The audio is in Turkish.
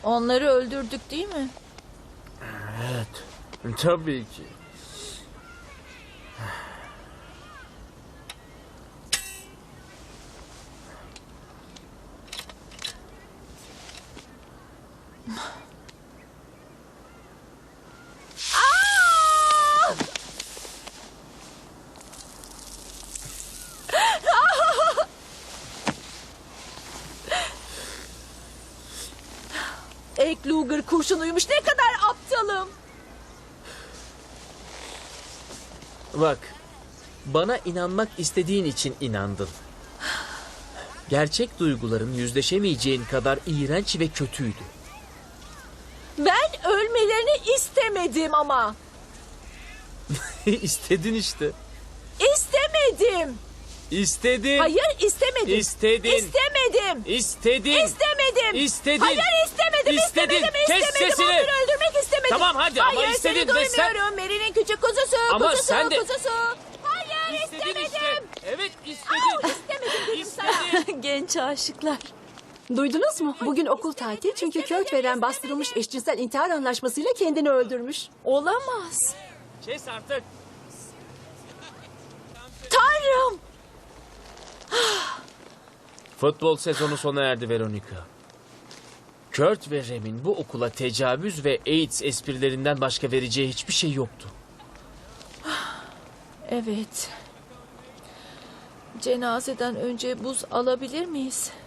Onları öldürdük değil mi? Evet, tabii ki. Egg Luger kurşunuymuş. Ne kadar aptalım. Bak, bana inanmak istediğin için inandın. Gerçek duyguların yüzleşemeyeceğin kadar iğrenç ve kötüydü. Ben ölmelerini istemedim ama. İstedin işte. İstemedim. İstedin. Hayır istemedim. İstedin. İstemedim. İstedin. İstemedim. İstedin. Hayır istemedim. İstedin. İstemedim. Kes İstemedim. sesini. Onları öldürmek istemedim. Tamam, hadi ama Hayır, istedin seni ve sen- duymuyorum. Mary'nin küçük kuzusu. Ama kuzusu, sen de- kuzusu. Hayır İstedin istemedim. işte. Evet Au, istedin. istemedim dedim İstedin. sana. Genç aşıklar. Duydunuz mu? Bugün okul tatil çünkü Kurt veren bastırılmış eşcinsel intihar anlaşmasıyla kendini öldürmüş. Olamaz. Kes artık. Tanrım. Futbol sezonu sona erdi Veronica. Kurt ve Rem'in bu okula tecavüz ve AIDS esprilerinden başka vereceği hiçbir şey yoktu. Evet. Cenazeden önce buz alabilir miyiz?